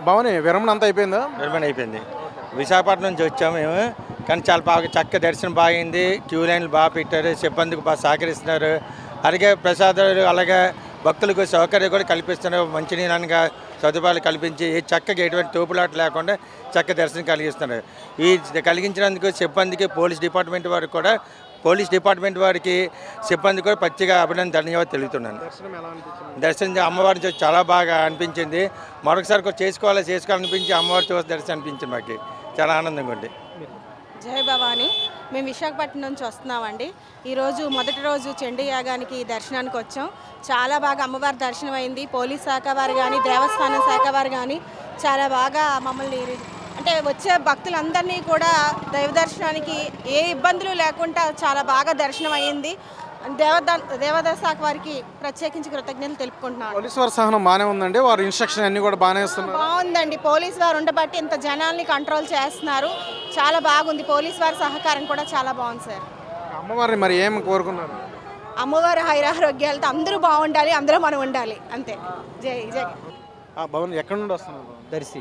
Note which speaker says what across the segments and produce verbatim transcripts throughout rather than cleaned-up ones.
Speaker 1: భవని విరమణ అంతా అయిపోయిందా?
Speaker 2: విరమణ అయిపోయింది. విశాఖపట్నం నుంచి వచ్చాము మేము, కానీ చాలా బాగా చక్క దర్శనం బాగైంది. క్యూ లైన్లు బాగా పెట్టారు, సిబ్బందికి బాగా సహకరిస్తున్నారు. అలాగే ప్రసాదాలు, అలాగే భక్తులకు సౌకర్యం కూడా కల్పిస్తున్నారు. మంచినీళ్ళగా సదుపాయాలు కల్పించి చక్కగా ఎటువంటి తోపులాట లేకుండా చక్క దర్శనం కలిగిస్తున్నారు. ఈ కలిగించినందుకు సిబ్బందికి, పోలీస్ డిపార్ట్మెంట్ వారికి కూడా పోలీస్ డిపార్ట్మెంట్ వారికి సిబ్బంది కూడా పచ్చిగా అభినందన ధన్యవాదాలు తెలుపుతున్నాను. దర్శనం అమ్మవారిని చూసి చాలా బాగా అనిపించింది. మరొకసారి కూడా చేసుకోవాలి చేసుకోవాలనిపించి అమ్మవారి చూసి దర్శనం అనిపించింది. మాకు చాలా ఆనందంగా ఉంది.
Speaker 3: జై భవాని. మేము విశాఖపట్నం నుంచి వస్తున్నామండి. ఈరోజు మొదటి రోజు చండీ యాగానికి దర్శనానికి వచ్చాం. చాలా బాగా అమ్మవారి దర్శనం అయింది. పోలీస్ శాఖ వారు కానీ, దేవస్థానం శాఖ వారు కానీ చాలా బాగా మమ్మల్ని అంటే వచ్చే భక్తులందరినీ కూడా దైవ దర్శనానికి ఏ ఇబ్బందులు లేకుండా చాలా బాగా దర్శనం అయ్యింది. దేవద దేవదాయ శాఖ వారికి ప్రత్యేకించి కృతజ్ఞతలు తెలుపుకుంటున్నాను.
Speaker 1: పోలీసు వారి సహనం బాగానే ఉందండి, వారి ఇన్స్ట్రక్షన్ అన్ని కూడా బాగానే ఇస్తున్నారు.
Speaker 3: బాగుందండి. పోలీసు వారు ఉండబట్టి ఇంత జనాల్ని కంట్రోల్ చేస్తున్నారు. చాలా బాగుంది. పోలీసు వారి సహకారం కూడా చాలా బాగుంది సార్.
Speaker 1: అమ్మవారిని మరి ఏం కోరుకున్నారు?
Speaker 3: అమ్మవారి హైరారోగ్యాలతో అందరూ బాగుండాలి, అందరూ మనం ఉండాలి, అంతే. జై జై.
Speaker 1: భవన్ ఎక్కడి నుండి వస్తున్నారు?
Speaker 4: దర్శి.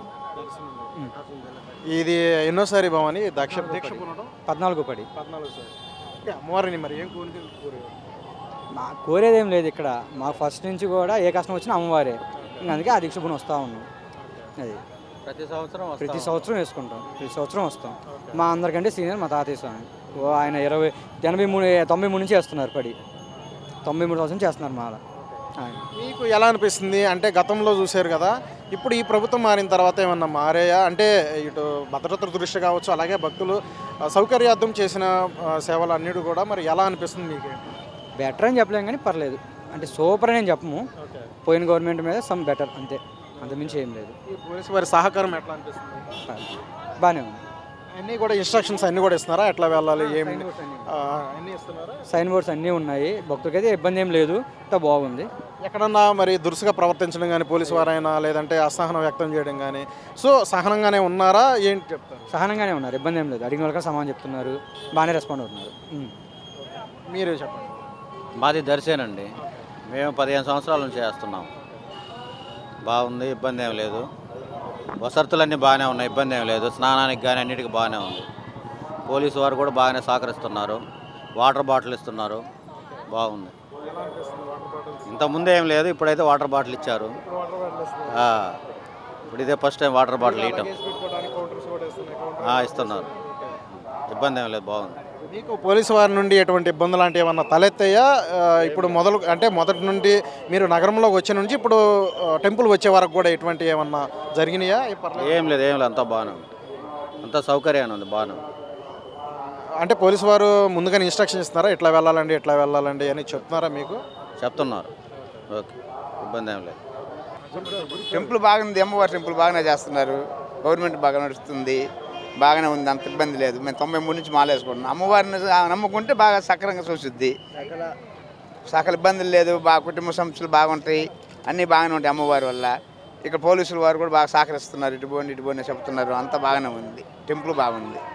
Speaker 1: ఇది ఎన్నోసారి భవని దక్ష
Speaker 4: పద్నాలుగు పడి
Speaker 1: పద్నాలుగు సార్. అమ్మవారిని మరి ఏం కోరుకు
Speaker 4: మా కోరేదేం లేదు ఇక్కడ. మాకు ఫస్ట్ నుంచి కూడా ఏ కష్టం వచ్చినా అమ్మవారే. ఇంకా అందుకే ఆ దీక్ష పుణ్యం వస్తూ ఉన్నాం. అది
Speaker 2: ప్రతి సంవత్సరం
Speaker 4: ప్రతి సంవత్సరం వేసుకుంటాం. ప్రతి సంవత్సరం వస్తాం. మా అందరికంటే సీనియర్ మా తాతయ్య స్వామి. ఓ ఆయన ఇరవై ఎనభై మూడు తొంభై మూడు నుంచి చేస్తున్నారు. పడి తొంభై మూడు సంవత్సరం చేస్తున్నారు మాల.
Speaker 1: మీకు ఎలా అనిపిస్తుంది అంటే గతంలో చూశారు కదా, ఇప్పుడు ఈ ప్రభుత్వం మారిన తర్వాత ఏమన్నా మారాయా? అంటే ఇటు భద్రత దృష్టి కావచ్చు, అలాగే భక్తులు సౌకర్యార్థం చేసిన సేవలు అన్నిటి కూడా మరి ఎలా అనిపిస్తుంది మీకు?
Speaker 4: బెటర్ అని చెప్పలేం కానీ పర్లేదు. అంటే సూపర్ అని చెప్పము. పోయిన గవర్నమెంట్ మీద సమ్ బెటర్, అంతే, అంతమించి ఏం లేదు.
Speaker 1: ఈ పోలీసు వారి సహకారం ఎట్లా అనిపిస్తుంది?
Speaker 4: బాగానే ఉంది.
Speaker 1: అన్నీ కూడా ఇన్స్ట్రక్షన్స్ అన్నీ కూడా ఇస్తున్నారా? ఎట్లా వెళ్ళాలి, ఏమి అన్నీ ఇస్తున్నారా?
Speaker 4: సైన్ బోర్డ్స్ అన్నీ ఉన్నాయి. భక్తులకైతే ఇబ్బంది ఏం లేదు, అంతా బాగుంది.
Speaker 1: ఎక్కడన్నా మరి దురుసుగా ప్రవర్తించడం కానీ పోలీసు వారైనా, లేదంటే అసహనం వ్యక్తం చేయడం కానీ, సో సహనంగానే ఉన్నారా ఏంటి చెప్తారు?
Speaker 4: సహనంగానే ఉన్నారు, ఇబ్బంది ఏం లేదు. అడిగిన వాళ్ళకి సమాధానం చెప్తున్నారు, బాగానే రెస్పాండ్ అవుతున్నారు.
Speaker 1: మీరే చెప్పండి.
Speaker 5: మాది దర్శనండి. మేము పదిహేను సంవత్సరాల నుంచి చేస్తున్నాం. బాగుంది, ఇబ్బంది ఏం లేదు. వసతులన్నీ బాగానే ఉన్నాయి, ఇబ్బంది ఏం లేదు. స్నానానికి కానీ అన్నిటికీ బాగానే ఉంది. పోలీసు వారు కూడా బాగానే సహకరిస్తున్నారు. వాటర్ బాటిల్ ఇస్తున్నారు, బాగుంది. ఇంతకుముందు ఏం లేదు, ఇప్పుడైతే వాటర్ బాటిల్ ఇచ్చారు. ఇప్పుడు ఇదే ఫస్ట్ టైం వాటర్ బాటిల్ ఇవ్వటం ఇస్తున్నారు. ఇబ్బంది ఏం లేదు, బాగుంది.
Speaker 1: మీకు పోలీసు వారి నుండి ఎటువంటి ఇబ్బందులు లాంటివి ఏమన్నా తలెత్తాయా? ఇప్పుడు మొదలు అంటే మొదటి నుండి మీరు నగరంలోకి వచ్చే నుంచి ఇప్పుడు టెంపుల్ వచ్చే వరకు కూడా ఎటువంటి ఏమన్నా జరిగినాయా?
Speaker 5: ఏం లేదు, ఏం లేదు, అంతా బాగానే ఉంది. అంతా సౌకర్యంగా ఉంది, బాగానే ఉంది.
Speaker 1: అంటే పోలీసు వారు ముందుగానే ఇన్స్ట్రక్షన్ ఇస్తున్నారా, ఎట్లా వెళ్ళాలండి ఎట్లా వెళ్ళాలండి అని చెప్తున్నారా మీకు?
Speaker 5: చెప్తున్నారు. ఓకే, ఇబ్బంది ఏం లేదు.
Speaker 6: టెంపుల్ బాగుంది. అమ్మవారి టెంపుల్ బాగానే చేస్తున్నారు. గవర్నమెంట్ బాగా నడుస్తుంది, బాగానే ఉంది, అంత ఇబ్బంది లేదు. మేము తొంభై మూడు నుంచి మాలేసుకుంటున్నాం. అమ్మవారిని నమ్ముకుంటే బాగా సక్రంగా చూసిద్ది. సకల ఇబ్బందులు లేదు, బాగా కుటుంబ సమస్యలు బాగుంటాయి, అన్నీ బాగానే ఉంటాయి అమ్మవారి వల్ల. ఇక్కడ పోలీసుల వారు కూడా బాగా సహకరిస్తున్నారు. ఇటు పోండి ఇటు పోండి చెప్తున్నారు, అంతా బాగానే ఉంది. టెంపుల్ బాగుంది.